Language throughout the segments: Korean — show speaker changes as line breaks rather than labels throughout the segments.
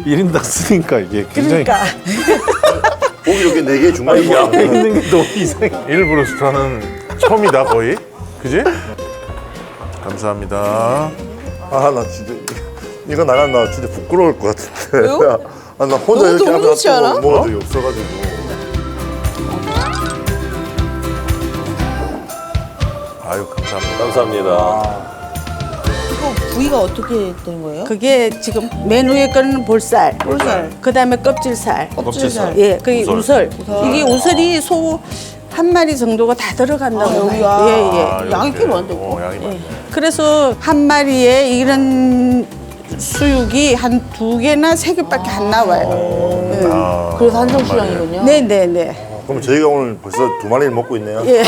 1인당 쓰니까 이게 굉장히
그러니까.
고기 이렇게 4개 중간에
이 앞에
모아놓으면
있는 게 너무 이상해.
일부러 스타는 처음이다 거의. 그지? 감사합니다.
아, 나 진짜 이거 나가면 나 진짜 부끄러울 것 같은데.
왜요?
아, 나 혼자
너무
이렇게
너무 좋지 않아?
먹은 적이 없어가지고.
아유 감사합니다.
감사합니다.
이거 부위가 어떻게 되는 거예요?
그게 지금 맨 위에 거는 볼살, 그다음에 껍질살,
껍질살.
예, 그게 우설. 이게 우설이 소 한 마리 정도가 다 들어간다고
여기가.
봐요. 예, 예.
아,
양이
이렇게.
꽤 많은데, 이거?
양이 많네.
그래서 한 마리에 이런 수육이 한 2개나 3개밖에 안 나와요. 예.
아,
그래서 한정 수량이군요.
네, 네, 네.
그럼 저희가 오늘 벌써 2마리를 먹고 있네요.
예.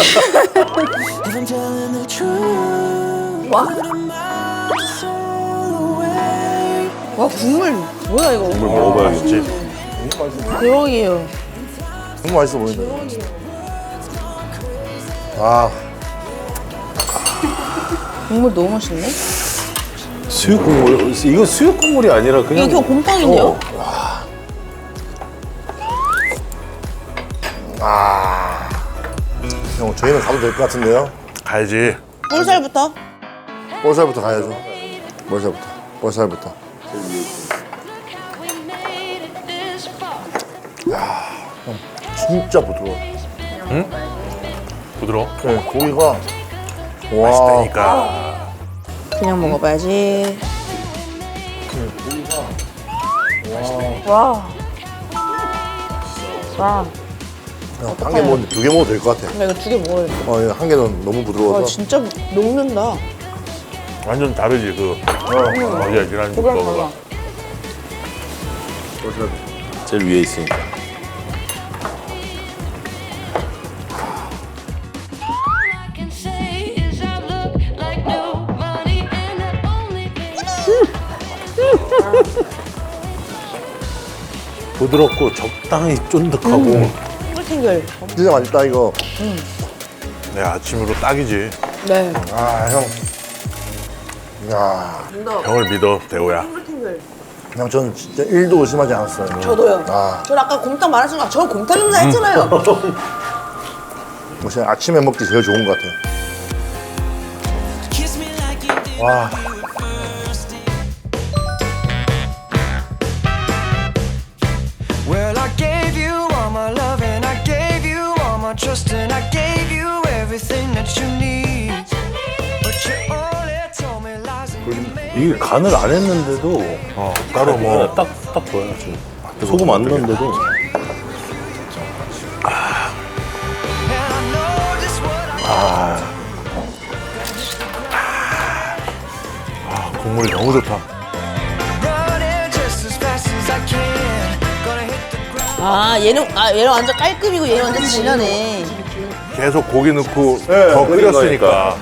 와, 국물. 뭐야, 이거.
물 먹어봐야겠지.
대박이에요.
너무 맛있어 보인다. 아,
국물 너무 맛있네.
수육 국물, 이거 수육 국물이 아니라 그냥.
이게 곰탕인데요?
형 저희는 가도 될 것 같은데요?
가야지.
볼살부터?
볼살부터 가야죠. 볼살부터. 형 진짜 부드러워.
부드러워.
네, 고기가 와,
맛있다니까.
그냥 먹어봐야지.
한 개 먹었는데 2개 먹어도 될 것 같아.
나 이거 2개 먹어야 돼.
한 개는 너무
와,
부드러워서.
진짜 녹는다.
완전 다르지 그. 어제 계란 먹어봐.
제일 위에 있으니까.
I can say is I look like nobody and that only
부드럽고 적당히 쫀득하고.
탱글.
진짜 맛있다 이거.
내 아침으로 딱이지.
네.
아, 형. 야,
형을 믿어 대호야.
형 저는 진짜 1도 의심하지 않았어요.
저도요.
아,
저 아까 곰탕 말하신 거, 저 곰탕 냄새 했잖아요.
진짜 아침에 먹기 제일 좋은 것 같아요. 와,
Well, I gave you all my love and I gave you all my trust and I gave you everything that you need. But you only told me lies and you made
이게 간을 안 했는데도
따로 뭐
딱 보여 지금. 소금 안 넣었는데도
and I know just what I
국물이 너무 좋다.
running just as fast as I can. Gonna hit the ground.
얘는 완전 깔끔이고 얘는 완전 진하네.
계속 고기 넣고
네,
더
끓인
끓였으니까.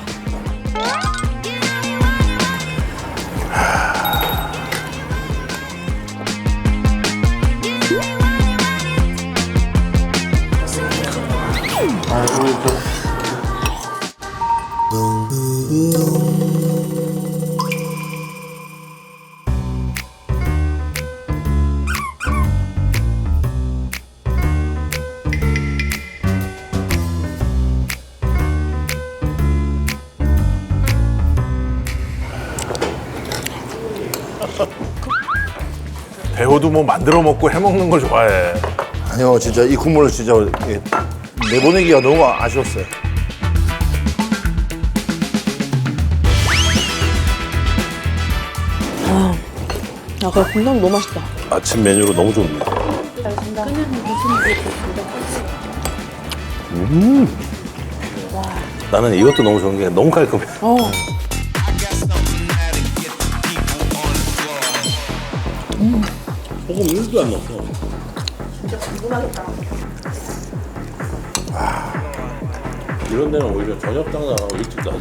대호도 뭐 만들어 먹고 해 먹는 걸 좋아해.
아니요, 진짜 이 국물을 진짜 예, 내보내기가 너무 아쉬웠어요.
아, 그래, 곰탕 너무 맛있다.
아침 메뉴로 너무 좋네. 나는 이것도 너무 좋은 게 너무 깔끔해. 소금 1도 안 넣었어. 진짜 궁금하겠다. 이런 데는 오히려 저녁 장사하고 일찍 나지.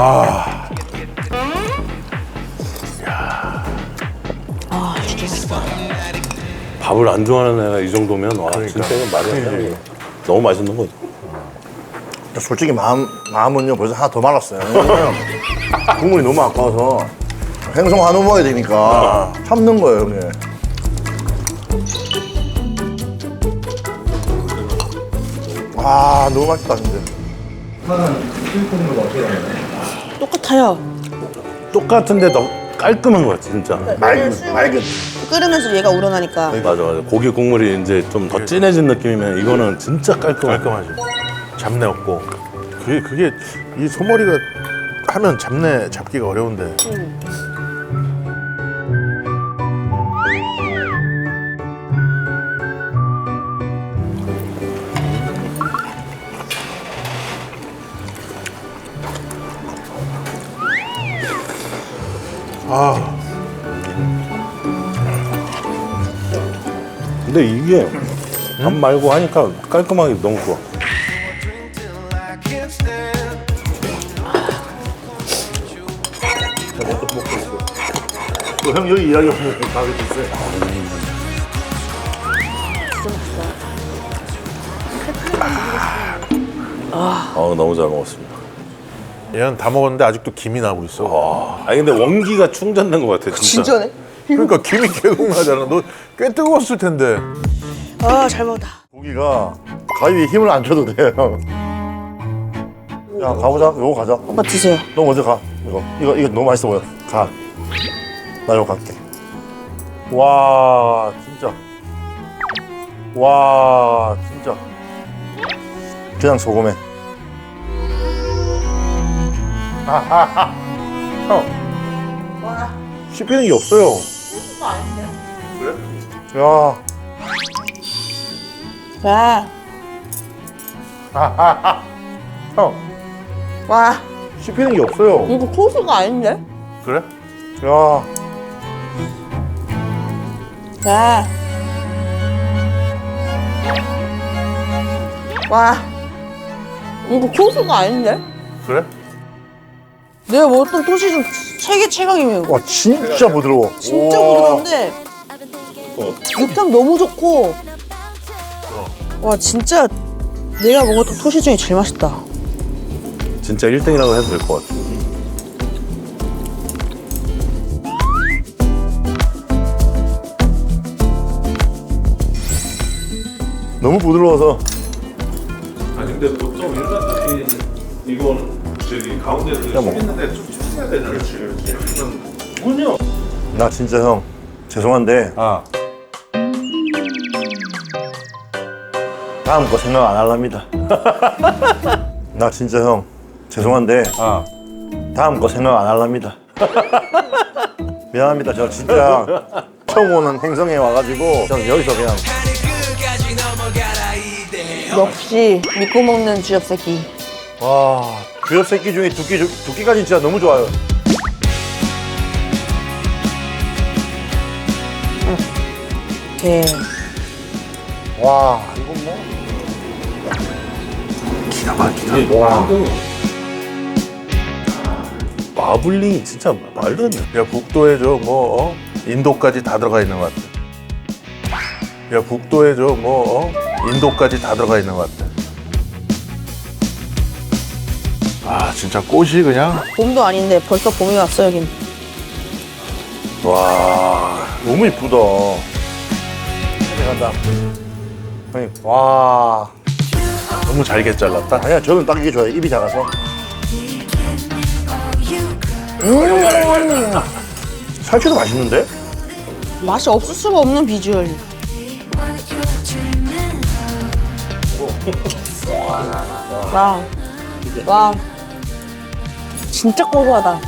밥을 안 좋아하는 애가 이 정도면 와 진짜 이건 말이 안 되는 거야. 너무 맛있는 거지.
솔직히 마음은요 벌써 하나 더 말았어요. 왜냐면 국물이 너무 아까워서 생선 한우 먹어야 되니까 참는 거예요, 형님. 아 너무 맛있다 근데.
똑같아요.
똑같은데 더 깔끔한 거 같아 진짜.
맑은.
끓으면서 얘가 우러나니까.
맞아. 고기 국물이 이제 좀 더 진해진 느낌이면 이거는 진짜
깔끔하지. 잡내 없고. 그게 이 소머리가 하면 잡내 잡기가 어려운데.
근데 이게 밥 말고 하니까 깔끔하게 너무 좋아.
I can't stand.
형 여기 이야기 없으면 가게 됐어요.
너무 잘 먹었습니다.
얘는 다 먹었는데 아직도 김이 나고 있어.
아니 근데 원기가 충전된 것 같아 진짜.
진짜네?
그러니까 김이 계속 나잖아. 너 꽤 뜨거웠을 텐데.
아, 잘 먹었다.
고기가 가위에 힘을 안 줘도 돼요. 야 가보자. 요거 가자.
오빠 드세요.
너 먼저 가. 이거 너무 맛있어 보여. 가. 나 이거 갈게. 와 진짜. 와 진짜. 그냥 소금에. 형. 씹히는 게 없어요. 그래? 야.
와.
형.
와.
씹히는 게 없어요.
이거 소스가 아닌데?
그래?
야.
와. 와. 이거 소스가 아닌데?
그래?
내가 먹었던 토시 중 세계 최강이에요.
와 진짜 부드러워.
진짜
우와.
부드러운데 육향 너무 좋고 와 진짜 내가 먹었던 토시 중에 제일 맛있다.
진짜 1등이라고 해도 될 것 같아.
너무 부드러워서.
아니 근데 보통 일반 토끼 이거는 저기 가운데서 씹히는데 좀 씹혀야 되잖아. 그렇지.
나 진짜 형 죄송한데 다음 거 생각 안 할랍니다. 나 진짜 형 죄송한데 다음 거 생각 안 할랍니다. 미안합니다. 저 진짜 처음 오는 행성에 와가지고 저는 여기서 그냥
역시 믿고 먹는 주엽 새끼.
와 주엽 새끼 중에 두끼까지 진짜 너무 좋아요.
네.
와 이건 뭐
기가 막히다. 와. 마블링이 진짜 말도 안 돼.
야 북도에 저 뭐 인도까지 다 들어가 있는 것 같아. 야 북도에 저 뭐 인도까지 다 들어가 있는 것 같아. 아 진짜 꽃이 그냥
봄도 아닌데 벌써 봄이 왔어 여긴.
와 너무 이쁘다. 간다. 형님 와
너무 잘게 잘랐다.
아니야 저는 딱 이게 좋아요. 입이 작아서. 살치도 맛있는데?
맛이 없을 수가 없는 비주얼. 와. 와. 진짜 고소하다.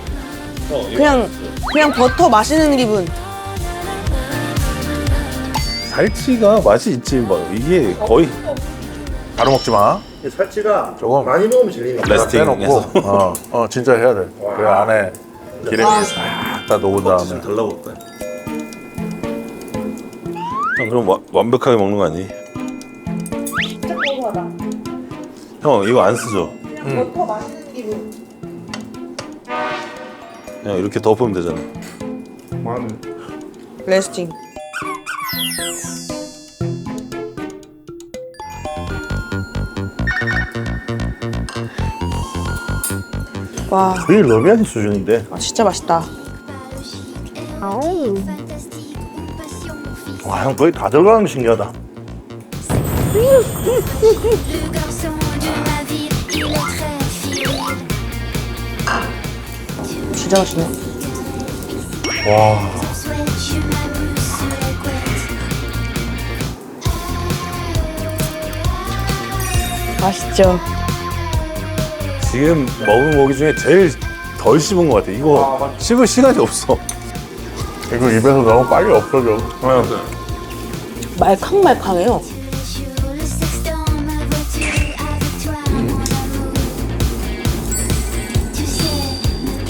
그냥 버터 마시는 기분.
살치가 맛이 있지 뭐 이게 거의
바로 먹지 마.
살치가
조금
많이 먹으면 질리니까.
레스팅해서
빼놓고 진짜 해야 돼. 그 안에 기름이 싹 다 녹은 다음에.
달라붙다. 형 그럼 완벽하게 먹는 거 아니?
진짜 고소하다.
형 이거 안 쓰죠?
그냥 버터 마시는 기분.
그냥 이렇게 덮으면 되잖아.
레스팅. 와,
거의 러비안 수준인데.
진짜 맛있다.
와, 형 거의 다 들어가는 게 신기하다.
Le garçon de ma ville, il est très fidèle.
진짜 맛있네.
Souhaite, je m'amuse sur les couettes.
맛있죠?
지금 먹은 고기 중에 제일 덜 씹은 것 같아. 이거 씹을 시간이 없어. 이거 입에서 너무 빨리 없어져.
말캉말캉해요.
Sur le sexe dans ma voiture avec toi, mon amour. Tu sais, ma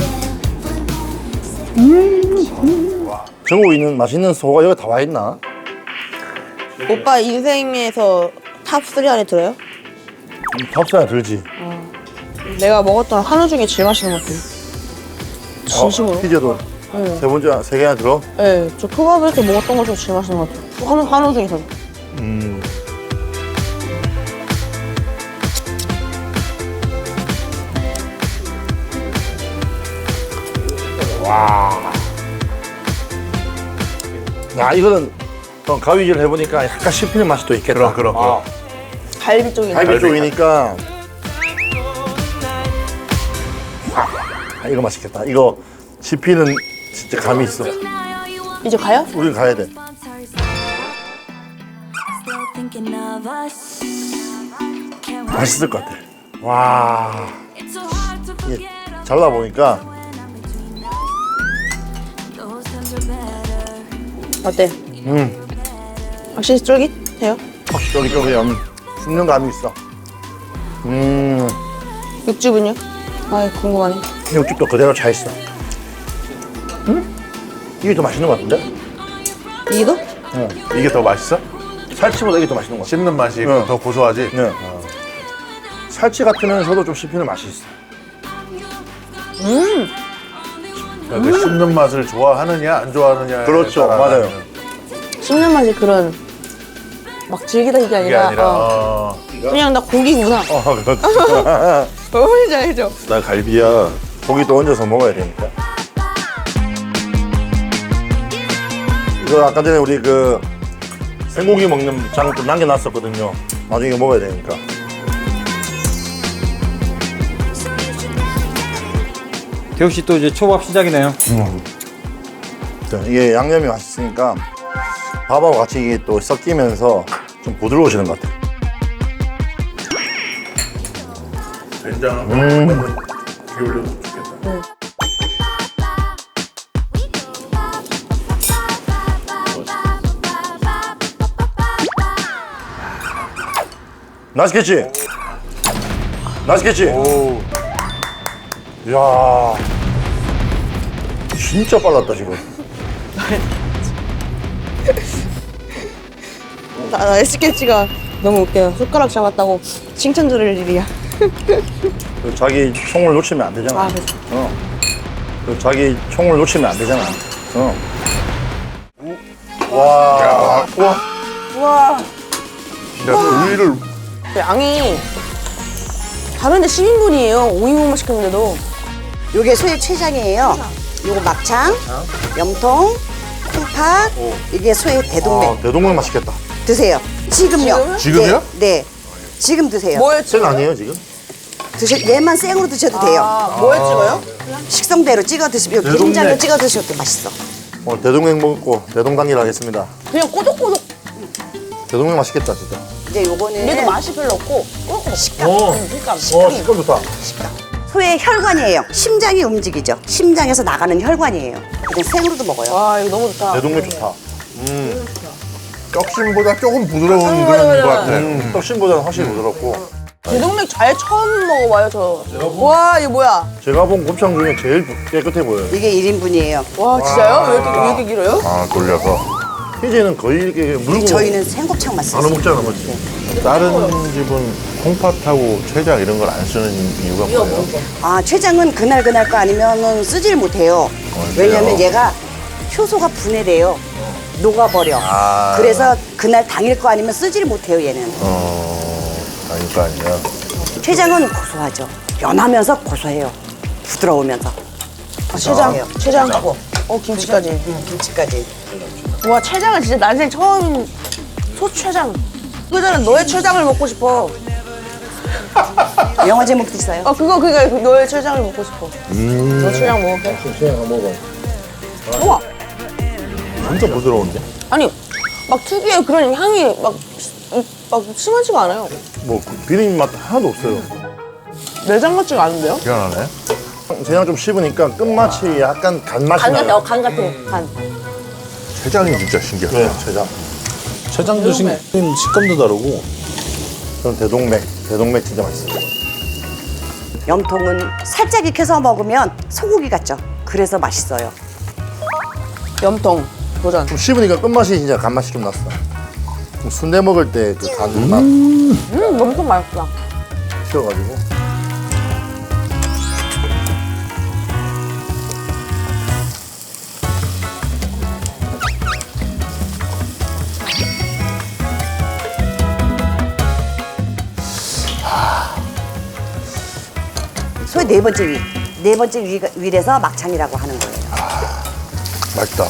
belle, vraiment, c'est
전국에 있는 맛있는 소가 여기 다 와 있나?
오빠 인생에서 탑3 안에 들어요?
탑사야 들지.
내가 먹었던 한우 중에 제일 맛있는 것 같아요. 진심으로.
피자도
네.
세 번째 세 개나 들어?
네, 저 초밥에서 먹었던 것 중에 제일 맛있는 것 같아요. 한우 중에서.
야, 이거는 또 가위질 해보니까 약간 씹히는 맛이 또 있겠다.
그럼.
갈비 쪽이네.
갈비 쪽이니까. 아, 이거 맛있겠다. 이거 씹히는 진짜 감이 있어.
이제 가요?
우린 가야 돼.
Still thinking of us. Can't wait.
맛있을 것 같아. 와,
It's so hard to
이게
forget
잘라보니까
when I'm between us. Those times are better.
어때? 확실히 쫄깃해요?
쫄깃쫄깃 씹는 감이 있어.
육즙은요? 아, 궁금하네.
육즙도 그대로 차 있어. 이게 더 맛있는 것 같은데?
이게도?
이게 더 맛있어?
살치보다 이게 더 맛있는 것 같아.
씹는 맛이
응.
더 고소하지?
네. 살치 같으면서도 좀 씹히는 맛이 있어.
그러니까 그 씹는 맛을 좋아하느냐 안 좋아하느냐.
그렇죠, 맞아요.
씹는 맛이 그런 막 질기다 이게
이게
아니라,
아니라
그냥 나 고기구나.
그렇죠.
너무 잘해줘.
나 갈비야. 고기도 얹어서 먹어야 되니까. 이거 아까 전에 우리 그 생고기 먹는 장 좀 남겨놨었거든요. 나중에 이거 먹어야 되니까.
태욱 씨 또 이제 초밥 시작이네요.
자, 이게 양념이 맛있으니까 밥하고 같이 이게 또 섞이면서 좀 부드러워지는 것 같아.
된장 기울여도 좋겠다.
맛있겠지? 맛있겠지?
오,
이야, 진짜 빨랐다 지금.
나 SKG가 너무 웃겨요. 손가락 잡았다고 칭찬 들을 일이야.
그 자기 총을 놓치면 안 되잖아.
아, 그래.
그 자기 총을 놓치면 안 되잖아.
우와.
야, 고기를
양이 다른데 10인분이에요. 5인분만 시켰는데도.
요게 소의 췌장이에요. 요거 막창, 염통, 콩팥, 이게 소의 대동맥.
대동맥 맛있겠다.
드세요. 지금요.
지금요?
네. 지금 드세요.
생 아니에요 지금?
얘만 생으로 드셔도 돼요.
아, 뭐에 찍어요?
식성대로 찍어 드시면 게임장로 찍어 드셔도 맛있어.
오늘 대동맥 먹고 대동단일 하겠습니다.
그냥 꼬독꼬독.
대동맥 맛있겠다 진짜.
이제 요거는
얘도 맛이 별로 없고 꼬독꼬독.
식감.
식감.
식감 좋다.
소의 혈관이에요. 심장이 움직이죠. 심장에서 나가는 혈관이에요. 그냥 생으로도 먹어요.
와, 이거 너무 좋다.
대동맥 좋다.
떡심보다 조금 부드러운
맞아,
그런
맞아,
것
맞아.
같아.
떡심보다는 확실히 부드럽고.
대동맥 잘 처음 먹어봐요, 저. 와, 이거 뭐야?
제가 본 곱창 중에 제일 깨끗해 보여요.
이게 1인분이에요.
와, 진짜요? 왜 이렇게 길어요?
아, 돌려서.
희재는 거의 이렇게 물고
저희는 생곱창만
나눠
써요.
먹잖아, 맞지?
다른 집은 콩팥하고 췌장 이런 걸 안 쓰는 이유가 뭐예요?
아, 췌장은 그날 거 아니면은 쓰질 못해요. 왜냐면 얘가 효소가 분해돼요. 녹아버려. 그래서 그날 당일 거 아니면 쓰질 못해요, 얘는.
아닐 거 아니야.
췌장은 고소하죠. 연하면서 고소해요. 부드러우면서.
아, 췌장. 췌장하고. 김치까지.
김치까지.
와 췌장은 진짜 난생 처음 소췌장. 그전에 너의 췌장을 먹고 싶어.
영화 제목도 있어요.
그거 너의 췌장을 먹고 싶어. 너 췌장 먹을게.
췌장 먹어.
우와.
진짜 부드러운데?
아니 막 특유의 그런 향이 막 심하지가 않아요.
뭐 비린 맛 하나도 없어요.
내장 같지가 않은데요?
희한하네.
췌장 좀 씹으니까 끝맛이 약간 간맛이
간
나요.
같아. 간 같아. 간.
췌장이 진짜 신기하다.
네, 췌장.
췌장도 식감도 다르고.
저는 대동맥 진짜 맛있어요.
염통은 살짝 익혀서 먹으면 소고기 같죠. 그래서 맛있어요.
염통 도전.
좀 씹으니까 끝맛이 진짜 간맛이 좀 났어. 좀 순대 먹을 때 그 간맛
염통 맛있다.
튀어가지고.
소의 네 번째 위. 네 번째 위에서 막창이라고 하는 거예요.
맛있다.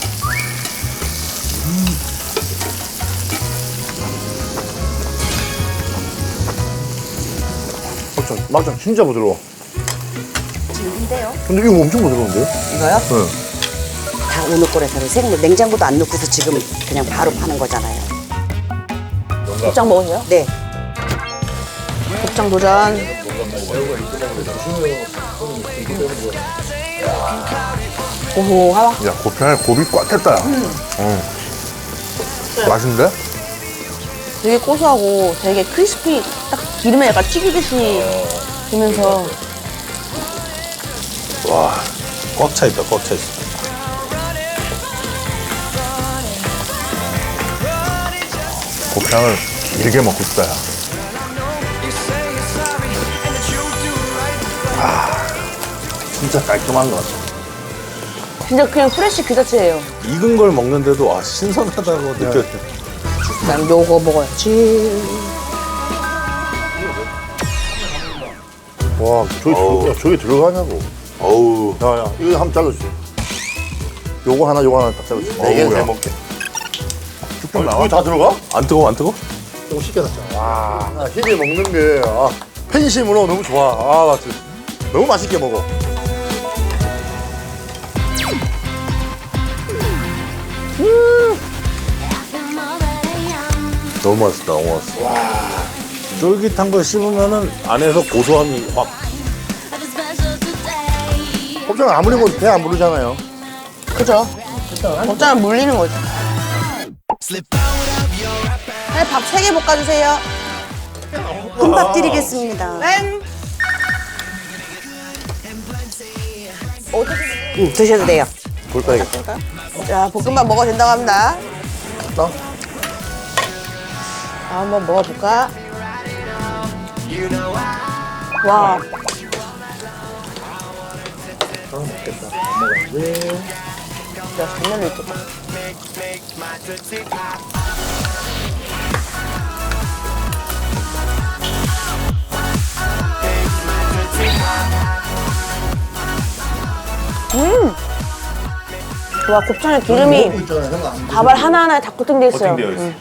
막장 진짜 부드러워.
근데요?
근데 이거 엄청 부드러운데요?
이거요?
네.
다 오늘 거라서 생물 냉장고도 안 넣고서 지금 그냥 바로 파는 거잖아요.
곱창 먹으세요?
네.
곱창 도전. 고소하다.
야, 곱창에 곱이 꽉 찼다. 맛있는데?
되게 고소하고 되게 크리스피 딱 기름에 약간 튀기듯이 되면서
와, 꽉 차 있다, 꽉 차 있어. 곱창을 길게 먹고 싶다, 야.
진짜 깔끔한 것 같아.
진짜 그냥 프레쉬 그 자체예요.
익은 걸 먹는데도 신선하다고 느껴져.
난 요거 먹어야지.
와, 저기 들어가냐고.
어우,
야, 이거 한번 잘라주세요. 요거 하나 딱 잘라주세요. 네 개는
어우야.
잘 먹게.
쭉 나와?
여기 다 들어가?
안 뜨거워, 안 뜨거워?
좀 시켜놨잖아. 와, 희재 먹는 게 팬심으로 너무 좋아. 나 진짜 너무 맛있게 먹어.
너무 맛있다, 너무 맛있어. 쫄깃한 걸 씹으면은 안에서 고소함이 확.
곱창 아무리 먹어도 배 안 부르잖아요.
그죠? 곱창은 물리는 거지. 네, 밥 3개 볶아주세요.
금밥 드리겠습니다.
땡!
드셔도 돼요.
볼 빼야겠다.
자, 볶음밥 먹어도 된다고 합니다.
나?
자, 한번 먹어볼까? 와. 야, 장난을 있겠다. 와, 곱창에 기름이 밥알 하나하나에 다 코팅돼 있어요.
코팅되어 있어요.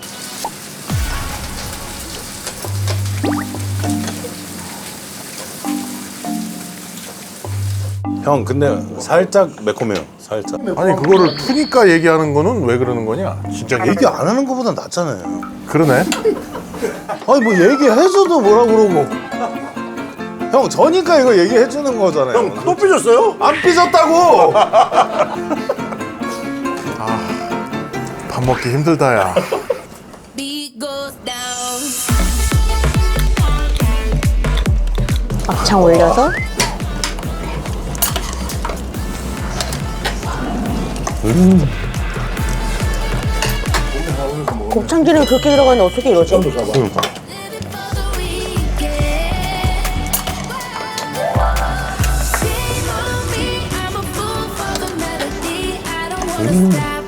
형, 근데 살짝 매콤해요, 살짝. 아니, 그거를 푸니까 얘기하는 거는 왜 그러는 거냐? 진짜 얘기 안 하는 거보다 낫잖아요. 그러네. 아니, 뭐 얘기해줘도 뭐라 그러고. 형, 저니까 이거 얘기해주는 거잖아요.
형, 또 삐졌어요?
안 삐졌다고! 밥 먹기 힘들다, 야.
Beat goes down.
막창 올려서 곱창 기름이 그렇게 들어가는데 어떻게 이러지?
그러니까.
I'm a fool for the melody. I don't wanna stop.